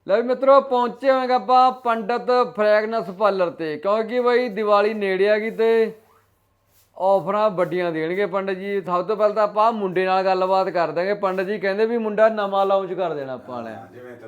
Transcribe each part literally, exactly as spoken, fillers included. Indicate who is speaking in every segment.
Speaker 1: ਲੈ ਵੀ ਮਿੱਤਰੋ ਪਹੁੰਚੇ ਹੋਏਗਾ ਆਪਾਂ ਪੰਡਤ ਫ੍ਰੈਗਨੈਂਸ ਪਾਰਲਰ ਤੇ ਕਿਉਂਕਿ ਬਈ ਦੀਵਾਲੀ ਨੇੜੇ ਆ ਗਈ ਤੇ ਆਫਰਾਂ ਵੱਡੀਆਂ ਦੇਣਗੇ ਪੰਡਤ ਜੀ। ਸਭ ਤੋਂ ਪਹਿਲਾਂ ਤਾਂ ਆਪਾਂ ਮੁੰਡੇ ਨਾਲ ਗੱਲਬਾਤ ਕਰ ਦਾਂਗੇ। ਪੰਡਤ ਜੀ ਕਹਿੰਦੇ ਵੀ ਮੁੰਡਾ ਨਵਾਂ ਲਾਂਚ ਕਰ ਦੇਣਾ ਆਪਾਂ ਨੇ।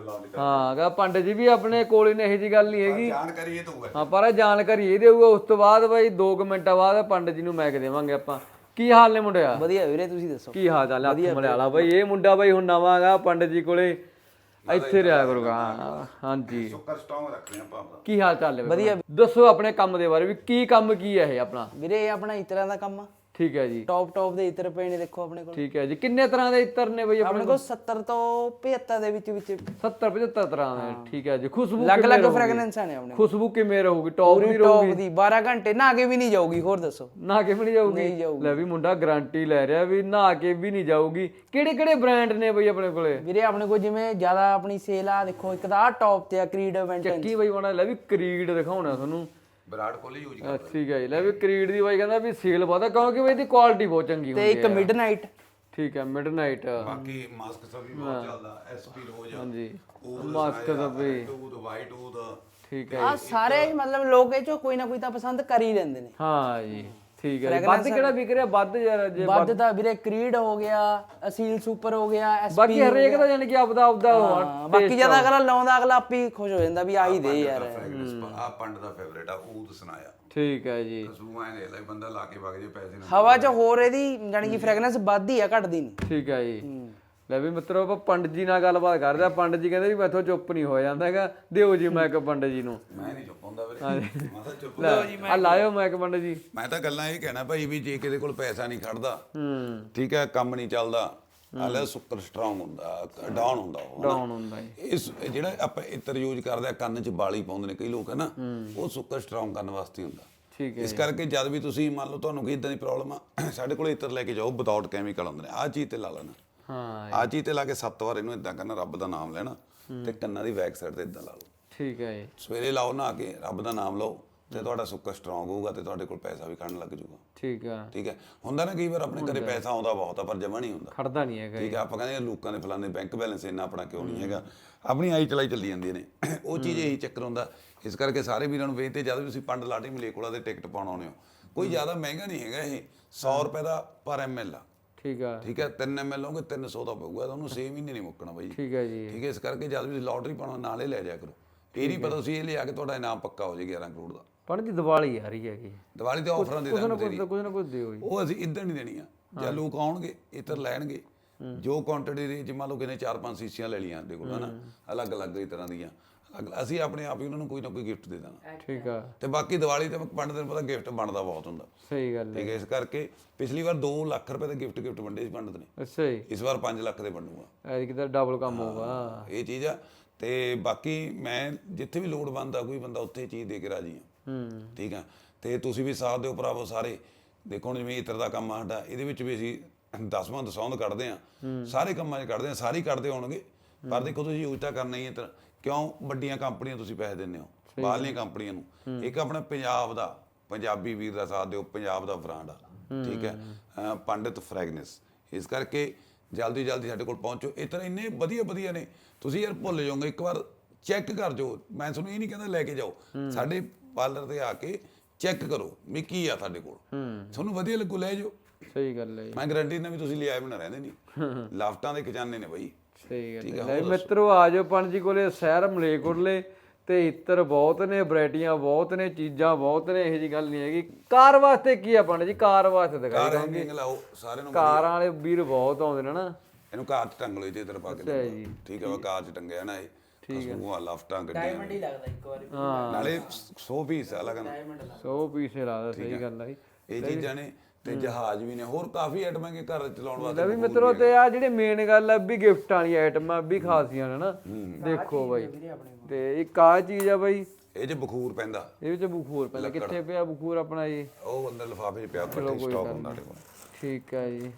Speaker 1: ਹਾਂ ਗਾ ਪੰਡਤ ਜੀ ਵੀ ਆਪਣੇ ਕੋਲ ਹੀ ਨੇ, ਇਹੋ ਜਿਹੀ ਗੱਲ ਨਹੀਂ ਹੈਗੀ।
Speaker 2: ਜਾਣਕਾਰੀ ਇਹ ਦਊਗਾ
Speaker 1: ਹਾਂ ਪਰ ਜਾਣਕਾਰੀ ਇਹ ਦੇਊਗਾ। ਉਸ ਤੋਂ ਬਾਅਦ ਬਈ ਦੋ ਕੁ ਮਿੰਟਾਂ ਬਾਅਦ ਪੰਡਤ ਜੀ ਨੂੰ ਮੈਕ ਦੇਵਾਂਗੇ ਆਪਾਂ। ਕੀ ਹਾਲ ਨੇ ਮੁੰਡਿਆ?
Speaker 3: ਵਧੀਆ ਵੀਰੇ, ਤੁਸੀਂ ਦੱਸੋ
Speaker 1: ਕੀ ਹਾਲ ਚਾਲ? ਹੱਥ ਮਲਿਆਲਾ ਬਈ ਇਹ ਮੁੰਡਾ ਬਈ ਹੁਣ ਨਵਾਂ ਗਾ ਪੰਡਤ ਜੀ ਕੋਲੇ, ਇੱਥੇ ਰਿਹਾ ਕਰੂਗਾ। ਹਾਂਜੀ
Speaker 2: ਸੁੱਕਰ ਸਟੋਂਗ ਰੱਖਣੇ ਆਪਾਂ ਆਪਦਾ।
Speaker 1: ਕੀ ਹਾਲ ਚਾਲ ਹੈ?
Speaker 3: ਵਧੀਆ।
Speaker 1: ਦੱਸੋ ਆਪਣੇ ਕੰਮ ਦੇ ਬਾਰੇ ਵੀ ਕੀ ਕੰਮ ਕੀ ਹੈ ਇਹ ਆਪਣਾ?
Speaker 3: ਵੀਰੇ ਇਹ ਆਪਣਾ ਇਤਰਾਂ ਦਾ ਕੰਮ ਆ।
Speaker 1: ਠੀਕ ਹੈ ਜੀ।
Speaker 3: ਟੌਪ ਟੌਪ ਦੇ ਇਤਰ ਪਏ ਨੇ, ਦੇਖੋ ਆਪਣੇ ਕੋਲ।
Speaker 1: ਠੀਕ ਹੈ ਜੀ। ਕਿੰਨੇ ਤਰ੍ਹਾਂ ਦੇ ਇਤਰ ਨੇ ਬਈ
Speaker 3: ਆਪਣੇ ਕੋਲ ਸੱਤਰ ਤੋਂ ਪਝੱਤਰ ਦੇ ਵਿੱਚ ਵਿੱਚ
Speaker 1: ਸੱਤਰ ਪਝੱਤਰ ਤਰ੍ਹਾਂ ਦੇ। ਠੀਕ ਹੈ ਜੀ। ਖੁਸ਼ਬੂ
Speaker 3: ਅਲੱਗ ਅਲੱਗ ਫ੍ਰੈਗਰੈਂਸਾਂ ਨੇ ਆਪਣੇ ਕੋਲ।
Speaker 1: ਖੁਸ਼ਬੂ ਕਿਵੇਂ ਰਹੂਗੀ? ਟੌਪ ਦੀ
Speaker 3: ਟੌਪ
Speaker 1: ਰਹੂਗੀ?
Speaker 3: ਦੀ ਬਾਰਾਂ ਘੰਟੇ ਨਹਾ ਕੇ ਵੀ ਨਹੀਂ ਜਾਊਗੀ। ਹੋਰ ਦੱਸੋ?
Speaker 1: ਨਹਾ ਕੇ ਵੀ ਨਹੀਂ ਜਾਊਗੀ?
Speaker 3: ਨਹੀਂ ਜਾਊਗੀ।
Speaker 1: ਲੈ ਵੀ ਮੁੰਡਾ ਗਾਰੰਟੀ ਲੈ ਰਿਹਾ ਵੀ ਨਹਾ ਕੇ ਵੀ ਨਹੀਂ ਜਾਊਗੀ। ਕਿਹੜੇ ਕਿਹੜੇ ਬ੍ਰਾਂਡ ਨੇ ਬਈ ਆਪਣੇ ਕੋਲੇ?
Speaker 3: ਵੀਰੇ ਆਪਣੇ ਕੋਲ ਜਿਵੇਂ ਜ਼ਿਆਦਾ ਆਪਣੀ ਸੇਲ ਆ, ਦੇਖੋ ਇੱਕ ਤਾਂ ਟੌਪ ਤੇ ਆ ਕਰੀਡ ਇਵੈਂਟ।
Speaker 1: ਚੱਕੀ ਬਈ ਬਣਾ ਲੈ ਵੀ ਕਰੀਡ ਦਿਖਾਉਣਾ ਤੁਹਾਨੂੰ।
Speaker 2: ਵਿਰਾਟ ਕੋਹਲੀ ਯੂਜ਼
Speaker 1: ਅਹ ਠੀਕ ਹੈ ਜੀ। ਲੈ ਵੀ ਕਰੀਡ ਦੀ ਬਾਈ ਕਹਿੰਦਾ ਵੀ ਸੇਲ ਬਹੁਤ ਆ ਕਿਉਂਕਿ ਬਈ ਇਹਦੀ ਕੁਆਲਿਟੀ ਬਹੁਤ ਚੰਗੀ
Speaker 3: ਤੇ
Speaker 1: ਹੁੰਦੀ
Speaker 3: ਇੱਕ
Speaker 1: ਹੈ।
Speaker 3: ਮਿਡਨਾਈਟ।
Speaker 1: ਠੀਕ ਹੈ ਮਿਡਨਾਈਟ।
Speaker 2: ਬਾਕੀ ਮਾਸਕ ਸਭ ਵੀ ਬਹੁਤ ਚੱਲਦਾ। ਐਸਪੀ ਰੋਜ਼
Speaker 1: ਹਾਂਜੀ
Speaker 2: ਉਹ
Speaker 1: ਮਾਸਕ ਦਾ ਵੀ
Speaker 2: ਟੂਦ ਵਾਈਟ ਊਦ।
Speaker 1: ਠੀਕ ਹੈ।
Speaker 3: ਆ ਸਾਰੇ ਹੀ ਮਤਲਬ ਲੋਕ ਇਹ ਚੋਂ ਕੋਈ ਨਾ ਕੋਈ ਤਾਂ ਪਸੰਦ ਕਰ ਹੀ ਲੈਂਦੇ ਨੇ।
Speaker 1: ਹਾਂ ਜੀ ਠੀਕ ਹੈ। ਵੱਧ ਕਿਹੜਾ ਵਿਕ ਰਿਹਾ? ਵੱਧ ਯਾਰ ਜੇ
Speaker 3: ਵੱਧ ਤਾਂ ਵੀਰੇ ਕ੍ਰੀਡ ਹੋ ਗਿਆ, ਅਸੀਲ ਸੁਪਰ ਹੋ ਗਿਆ, ਐਸਪੀ।
Speaker 1: ਬਾਕੀ ਹਰੇਕ ਦਾ ਜਾਨੀ ਕਿ ਆਪਦਾ ਆਪਦਾ
Speaker 3: ਹਾਂ, ਬਾਕੀ ਜਿਆਦਾ ਅਗਲਾ ਲਾਉਂਦਾ ਅਗਲਾ ਆਪੀ ਖੁਸ਼ ਹੋ ਜਾਂਦਾ ਵੀ ਆਹੀ ਦੇ ਯਾਰ।
Speaker 2: ਆ ਪੰਡ ਦਾ ਫੇਵਰੇਟ ਆ ਊਦ ਸੁਨਾਇਆ।
Speaker 1: ਠੀਕ ਹੈ ਜੀ।
Speaker 2: ਖੁਸ਼ਬੂ ਐ ਲੈ ਲੈ ਬੰਦਾ ਲਾ ਕੇ ਵਗ ਜੇ ਪੈਸੇ ਨਾਲ।
Speaker 3: ਹਵਾ 'ਚ ਹੋਰ ਇਹਦੀ ਜਾਨੀ ਕਿ ਫ੍ਰੈਗਰੈਂਸ ਵੱਧਦੀ ਆ, ਘਟਦੀ ਨਹੀਂ।
Speaker 1: ਠੀਕ ਹੈ ਜੀ। ਲੈ ਵੀ ਮਿੱਤਰੋ ਆਪਾਂ ਪੰਡਤ ਜੀ ਨਾਲ ਗੱਲਬਾਤ ਕਰਦੇ ਆ। ਪੰਡਤ ਜੀ ਕਹਿੰਦੇ ਵੀ ਮੈਥੋਂ ਚੁੱਪ ਨਹੀਂ ਹੋ ਜਾਂਦਾ ਹੈਗਾ। ਦਿਓ ਜੀ ਮੈਕ ਪੰਡਤ ਜੀ ਨੂੰ।
Speaker 2: ਮੈਂ ਨਹੀਂ ਚੁੱਪ ਹੁੰਦਾ ਵੀਰੇ। ਮੈਂ ਤਾਂ ਚੁੱਪ
Speaker 1: ਲੈ ਆ ਲਾਇਓ ਮੈਕ ਪੰਡਤ ਜੀ।
Speaker 2: ਮੈਂ ਤਾਂ ਗੱਲਾਂ ਇਹ ਕਹਿਣਾ ਭਾਈ ਵੀ ਜੇ ਕਿਤੇ ਕੋਲ ਪੈਸਾ ਨਹੀਂ ਖੜਦਾ,
Speaker 1: ਹੂੰ
Speaker 2: ਠੀਕ ਹੈ, ਕੰਮ ਨਹੀਂ ਚੱਲਦਾ, ਹਾਲੇ ਸੁੱਕਰ ਸਟਰੋਂਗ ਹੁੰਦਾ, ਡਾਊਨ ਹੁੰਦਾ ਉਹ।
Speaker 1: ਡਾਊਨ ਹੁੰਦਾ ਜੀ।
Speaker 2: ਇਸ ਜਿਹੜਾ ਆਪਾਂ ਇਤਰ ਯੂਜ਼ ਕਰਦੇ ਆ, ਕੰਨ 'ਚ ਬਾਲੀ ਪਾਉਂਦੇ ਨੇ ਕਈ ਲੋਕ ਹੈ ਨਾ, ਉਹ ਸੁੱਕਰ ਸਟਰੋਂਗ ਕਰਨ ਵਾਸਤੇ ਹੁੰਦਾ।
Speaker 1: ਠੀਕ ਹੈ।
Speaker 2: ਇਸ ਕਰਕੇ ਜਦ ਵੀ ਤੁਸੀਂ ਮੰਨ ਲਓ ਤੁਹਾਨੂੰ ਕੋਈ ਇਦਾਂ ਦੀ ਪ੍ਰੋਬਲਮ ਆ, ਸਾਡੇ ਕੋਲ ਇਤਰ ਲੈ ਕੇ ਜਾਓ ਵਿਦਾਊਟ ਕੈਮੀਕਲ ਹੁੰਦੇ ਨੇ। ਆਹ ਚੀਜ਼ ਤੇ ਲਾ ਲੈਣਾ।
Speaker 1: ਹਾਂ
Speaker 2: ਆਹ ਚੀਜ਼ ਤੇ ਲਾ ਕੇ ਸੱਤ ਵਾਰ ਇਹਨੂੰ ਇਦਾਂ ਕਰਨਾ, ਰੱਬ ਦਾ ਨਾਮ ਲੈਣਾ ਤੇ ਕੰਨਾਂ ਦੀ ਬੈਕ ਸਾਈਡ ਤੇ ਇਦਾਂ ਲਾ ਲਓ।
Speaker 1: ਠੀਕ ਹੈ ਜੀ।
Speaker 2: ਸਵੇਰੇ ਲਾਓ ਨਹਾ ਕੇ, ਰੱਬ ਦਾ ਨਾਮ ਲਓ ਤੇ ਤੁਹਾਡਾ ਸੁੱਕਰ ਸਟਰੋਂਗ ਹੋਊਗਾ ਤੇ ਤੁਹਾਡੇ ਕੋਲ ਪੈਸਾ ਵੀ ਖੜਨ ਲੱਗ ਜਾਊਗਾ।
Speaker 1: ਠੀਕ ਆ।
Speaker 2: ਠੀਕ ਹੈ। ਹੁੰਦਾ ਨਾ ਕਈ ਵਾਰ ਆਪਣੇ ਘਰੇ ਪੈਸਾ ਆਉਂਦਾ ਬਹੁਤ ਆ ਪਰ ਜਮਾ ਨਹੀਂ ਹੁੰਦਾ।
Speaker 1: ਖੜਦਾ ਨਹੀਂ ਹੈਗਾ।
Speaker 2: ਠੀਕ ਹੈ। ਆਪਾਂ ਕਹਿੰਦੇ ਲੋਕਾਂ ਦੇ ਫਲਾਣੇ ਬੈਂਕ ਬੈਲੈਂਸ ਇੰਨਾ, ਆਪਣਾ ਕਿਉਂ ਨਹੀਂ ਹੈਗਾ। ਆਪਣੀ ਆਈ ਚਲਾਈ ਚੱਲੀ ਜਾਂਦੀਆਂ ਨੇ। ਉਹ ਚੀਜ਼ ਇਹੀ ਚੱਕਰ ਹੁੰਦਾ। ਇਸ ਕਰਕੇ ਸਾਰੇ ਵੀਰਾਂ ਨੂੰ ਬੇਨਤੀ, ਜਦ ਵੀ ਤੁਸੀਂ ਪੰਡ ਲਾਟੀ ਮਲੇਕੋਲਾ ਦੇ ਟਿਕਟ ਪਾਉਣ ਆਉਂਦੇ ਹੋ, ਕੋਈ ਜ਼ਿਆਦਾ ਮਹਿੰਗਾ ਨਹੀਂ ਹੈਗਾ ਇਹ। ਸੌ ਰੁਪਏ ਦਾ ਪਰ ਐਮ ਐਲ ਆ।
Speaker 1: ਠੀਕ ਆ।
Speaker 2: ਠੀਕ ਹੈ। ਤਿੰਨ ਐਮ ਐਲ ਲਓਗੇ ਤਿੰਨ ਸੌ ਦਾ ਪਊਗਾ ਤੁਹਾਨੂੰ। ਛੇ ਮਹੀਨੇ ਨਹੀਂ ਮੁੱਕਣਾ ਬਾਈ।
Speaker 1: ਠੀਕ ਹੈ ਜੀ।
Speaker 2: ਠੀਕ ਹੈ। ਇਸ ਕਰਕੇ ਜਦ ਵੀ ਲੋਟਰੀ ਪਾਉਣਾ ਨਾਲ ਹੀ ਲੈ ਜਾਇਆ ਕਰੋ। ਇਹ ਨਹੀਂ ਪਤਾ ਤੁਸੀਂ ਇਹ ਲਿਆ ਕੇ ਤੁਹਾਡਾ ਇਨਾਮ ਪੱਕਾ ਹੋ ਜੇ ਗਿਆਰਾਂ ਕਰੋੜ ਦਾ।
Speaker 1: ਪੰਡਤ ਜੀ ਦੀਵਾਲੀ ਆ ਰਹੀ ਹੈਗੀ।
Speaker 2: ਦੀਵਾਲੀ ਤੇ ਆਫਰਾਂ ਦੇ
Speaker 1: ਕੁਝ ਨਾ
Speaker 2: ਦਾਂਗੇ।
Speaker 1: ਕੁਝ ਕੁਝ ਨਾ ਕੁਝ ਦਿਓ ਜੀ।
Speaker 2: ਉਹ ਅਸੀਂ ਇਦਾਂ ਨਹੀਂ ਦੇਣੀਆਂ। ਜਾਂ ਲੋਕ ਆਉਣਗੇ ਇਤਰ ਲੈਣਗੇ, ਜੋ ਕੁਆਂਟੀਟੀ ਦੇ, ਜੇ ਮੰਨ ਲਓ ਕਿਨੇ ਚਾਰ ਪੰਜ ਸੀਸੀਆਂ ਲੈ ਲਈਆਂ ਸਾਡੇ ਕੋਲ ਹਨਾ, ਅਲੱਗ ਅਲੱਗ ਹੀ ਤਰ੍ਹਾਂ ਦੀਆਂ, ਅਸੀਂ ਆਪਣੇ ਆਪ ਹੀ ਉਹਨਾਂ ਨੂੰ ਕੋਈ ਨਾ ਕੋਈ ਗਿਫਟ ਦੇ ਦੇਣਾ।
Speaker 1: ਠੀਕ ਆ।
Speaker 2: ਤੇ ਬਾਕੀ ਦੀਵਾਲੀ ਤੇ ਪੰਡਤ ਨੂੰ ਪਤਾ ਗਿਫਟ ਬਣਦਾ ਬਹੁਤ ਹੁੰਦਾ।
Speaker 1: ਸਹੀ ਗੱਲ ਹੈ।
Speaker 2: ਠੀਕ ਹੈ। ਇਸ ਕਰਕੇ ਪਿਛਲੀ ਵਾਰ ਦੋ ਲੱਖ ਰੁਪਏ ਦੇ ਗਿਫਟ ਗਿਫਟ ਵੰਡੇ ਸੀ ਪੰਡਤ ਨੇ।
Speaker 1: ਅੱਛਾ ਜੀ।
Speaker 2: ਇਸ ਵਾਰ ਪੰਜ ਲੱਖ ਦੇ ਵੰਡੂਗਾ।
Speaker 1: ਐਤਕੀ ਤਾਂ ਡਬਲ ਕੰਮ ਹੋਊਗਾ।
Speaker 2: ਇਹ ਚੀਜ਼ ਆ। ਤੇ ਬਾਕੀ ਮੈਂ ਜਿੱਥੇ ਵੀ ਲੋੜ ਬਣਦਾ ਕੋਈ ਬੰਦਾ ਉੱਥੇ ਚੀਜ਼ ਦੇ ਕੇ ਰਾਜੀ ਆ।
Speaker 1: ਹੂੰ
Speaker 2: ਠੀਕ ਆ। ਤੇ ਤੁਸੀਂ ਵੀ ਸਾਥ ਦਿਓ ਭਰਾਵੋ ਸਾਰੇ। ਦੇਖੋ ਹੁਣ ਜਿਵੇਂ ਇਤਰ ਦਾ ਕੰਮ ਆ ਸਾਡਾ, ਇਹਦੇ ਵਿੱਚ ਵੀ ਅਸੀਂ ਦਸਵਾਂ ਦਸੌਂਦ ਕੱਢਦੇ ਆ। ਸਾਰੇ ਕੰਮਾਂ 'ਚ ਕੱਢਦੇ ਆ, ਸਾਰੇ ਹੀ ਕੱਢਦੇ ਹੋਣਗੇ। ਪਰ ਦੇਖੋ ਤੁਸੀਂ ਯੂਜ਼ ਤਾਂ ਕਰਨਾ ਹੀ ਇਤਰ। ਕਿਉਂ? ਵੱਡੀਆਂ ਕੰਪਨੀਆਂ ਤੁਸੀਂ ਪੈਸੇ ਦਿੰਦੇ ਹੋ, ਬਾਹਰਲੀਆਂ ਕੰਪਨੀਆਂ ਨੂੰ। ਇੱਕ ਆਪਣਾ ਪੰਜਾਬ ਦਾ, ਪੰਜਾਬੀ ਵੀਰ ਦਾ ਸਾਥ ਦਿਓ, ਪੰਜਾਬ ਦਾ ਬ੍ਰਾਂਡ ਆ। ਠੀਕ ਹੈ। ਅਹ ਪੰਡਤ ਫ੍ਰੈਗਨੈਂਸ। ਇਸ ਕਰਕੇ ਜਲਦੀ ਜਲਦੀ ਸਾਡੇ ਕੋਲ ਪਹੁੰਚੋ। ਇਤਰ ਇੰਨੇ ਵਧੀਆ ਵਧੀਆ ਨੇ, ਤੁਸੀਂ ਯਾਰ ਭੁੱਲ ਜਾਓਗੇ। ਇੱਕ ਵਾਰ ਚੈੱਕ ਕਰ ਜਾਓ। ਮੈਂ ਤੁਹਾਨੂੰ ਇਹ ਨਹੀਂ ਕਹਿੰਦਾ ਲੈ ਕੇ ਜਾਓ, ਸਾਡੇ ਪਾਰਲਰ ਤੇ ਆ ਕੇ ਚੈੱਕ ਕਰੋ ਵੀ ਕੀ ਆ ਸਾਡੇ ਕੋਲ। ਤੁਹਾਨੂੰ ਵਧੀਆ ਲੱਗੂ ਲੈ ਜਾਓ।
Speaker 1: ਸਹੀ ਗੱਲ ਹੈ।
Speaker 2: ਮੈਂ ਗਰੰਟੀ ਨਾਲ ਵੀ ਤੁਸੀਂ ਲਿਆਏ ਬਣਾ ਰਹਿੰਦੇ ਨਹੀਂ। ਲਾਫਟਾਂ ਦੇ ਖਜ਼ਾਨੇ ਨੇ ਬਾਈ।
Speaker 1: ਸਹੀ ਗੱਲ ਹੈ। ਮਿੱਤਰੋ ਆ ਜਾਓ ਪੰਡਤ ਜੀ ਕੋਲੇ, ਸ਼ਹਿਰ ਮਲੇਕੋਟਲੇ ਤੇ ਇਤਰ ਬਹੁਤ ਨੇ, ਵੈਰਾਈਟੀਆਂ ਬਹੁਤ ਨੇ, ਚੀਜ਼ਾਂ ਬਹੁਤ ਨੇ। ਇਹੋ ਜਿਹੀ ਗੱਲ ਨਹੀਂ ਹੈਗੀ। ਕਾਰ ਵਾਸਤੇ ਕੀ ਆ ਪੰਡਤ ਜੀ? ਕਾਰ ਵਾਸਤੇ ਦਿਖਾਈ
Speaker 2: ਕਾਰ ਹੈਂਗਿੰਗ ਲਾਓ ਸਾਰਿਆਂ ਨੂੰ।
Speaker 1: ਕਾਰਾਂ ਵਾਲੇ ਵੀਰ ਬਹੁਤ ਆਉਂਦੇ ਨੇ ਨਾ।
Speaker 2: ਇਹਨੂੰ ਕਾਰ 'ਚ ਟੰਗ ਲਓ ਜੇ ਇਧਰ ਪਾ ਕੇ। ਠੀਕ ਹੈ। ਵਾ ਕਾਰ 'ਚ ਟੰਗਿਆ ਨਾ ਇਹ। ਖੁਸ਼ਬੂਆਂ ਲਾਫਟਾਂ ਗੱਡੀਆਂ
Speaker 3: ਹੀ ਲੱਗਦਾ ਇੱਕ ਵਾਰੀ।
Speaker 2: ਨਾਲੇ ਸੌ ਪੀਸ ਆ ਲਗਨ।
Speaker 1: ਸੌ ਪੀਸੇ ਲਾਦਾ। ਸਹੀ ਗੱਲ ਹੈ।
Speaker 2: ਇਹ ਚੀਜ਼ਾਂ ਨੇ ਤੇ ਜਹਾਜ਼ ਵੀ ਨੇ, ਹੋਰ ਕਾਫੀ ਆਈਟਮਾਂ ਕੇ ਘਰ ਚਲਾਉਣ ਵਾਸਤੇ।
Speaker 1: ਵੀ ਮਿੱਤਰੋ ਤੇ ਆ ਜਿਹੜੇ ਮੇਨ ਗੱਲ ਆ ਵੀ ਗਿਫਟ ਵਾਲੀ ਆਈਟਮਾਂ ਵੀ ਖਾਸੀਆਂ ਨੇ ਨਾ। ਦੇਖੋ ਬਾਈ ਤੇ ਇੱਕ ਆ ਚੀਜ਼ ਆ ਬਾਈ,
Speaker 2: ਇਹ 'ਚ ਬਖੂਰ ਪੈਂਦਾ।
Speaker 1: ਇਹ ਵਿੱਚ ਬਖੂਰ ਪੈਂਦਾ। ਕਿੱਥੇ ਪਿਆ ਬਖੂਰ ਆਪਣਾ ਜੀ?
Speaker 2: ਉਹ ਅੰਦਰ ਲਿਫਾਫੇ 'ਚ ਪਿਆ, ਪੱਟੀ ਸਟਾਕ ਹੁੰਦਾ ਸਾਡੇ ਕੋਲ।
Speaker 1: ਠੀਕ ਹੈ ਜੀ।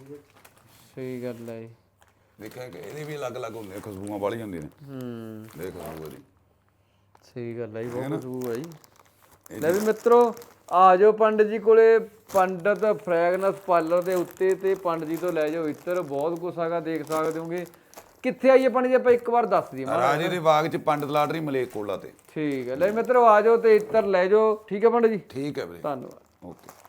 Speaker 1: ਸਹੀ ਗੱਲ ਹੈ ਜੀ।
Speaker 2: ਦੇਖਿਆ ਕਿ ਇਹਦੇ ਵੀ ਅਲੱਗ ਅਲੱਗ ਹੁੰਦੇ, ਖੁਸ਼ਬੂਆਂ ਵਾਲੀ ਹੁੰਦੀਆਂ ਨੇ।
Speaker 1: ਹੂੰ
Speaker 2: ਦੇਖ ਖੁਸ਼ਬੂ ਦੀ।
Speaker 1: ਸਹੀ ਗੱਲ ਹੈ ਜੀ। ਬਹੁਤ ਖੁਸ਼ਬੂ ਹੈ ਜੀ। ਲੈ ਵੀ ਮਿੱਤਰੋ ਆ ਜਾਓ ਪੰਡਤ ਜੀ ਕੋਲੇ, ਪੰਡਤ ਫ੍ਰੈਗਨੈਂਸ ਪਾਰਲਰ ਦੇ ਉੱਤੇ, ਤੇ ਪੰਡਤ ਜੀ ਤੋਂ ਲੈ ਜਾਓ ਇਤਰ। ਬਹੁਤ ਕੁਛ ਹੈਗਾ, ਦੇਖ ਸਕਦੇ ਹੋਗੇ ਕਿੱਥੇ ਆਈਏ ਪੰਡਤ ਜੀ ਆਪਾਂ ਇੱਕ ਵਾਰ ਦੱਸ ਦਈਏ ਮਾੜਾ।
Speaker 2: ਰਾਜੇ ਦੇ ਬਾਗ ਚ ਪੰਡਤ ਲਾਟਰੀ ਮਲੇਕੋਲਾ ਤੇ।
Speaker 1: ਠੀਕ ਹੈ ਲੈ ਮਿੱਤਰੋ ਆ ਜਾਓ ਤੇ ਇੱਤਰ ਲੈ ਜਾਓ। ਠੀਕ ਹੈ ਪੰਡਤ ਜੀ,
Speaker 2: ਠੀਕ ਹੈ ਵੀਰੇ,
Speaker 1: ਧੰਨਵਾਦ।
Speaker 2: ਓਕੇ।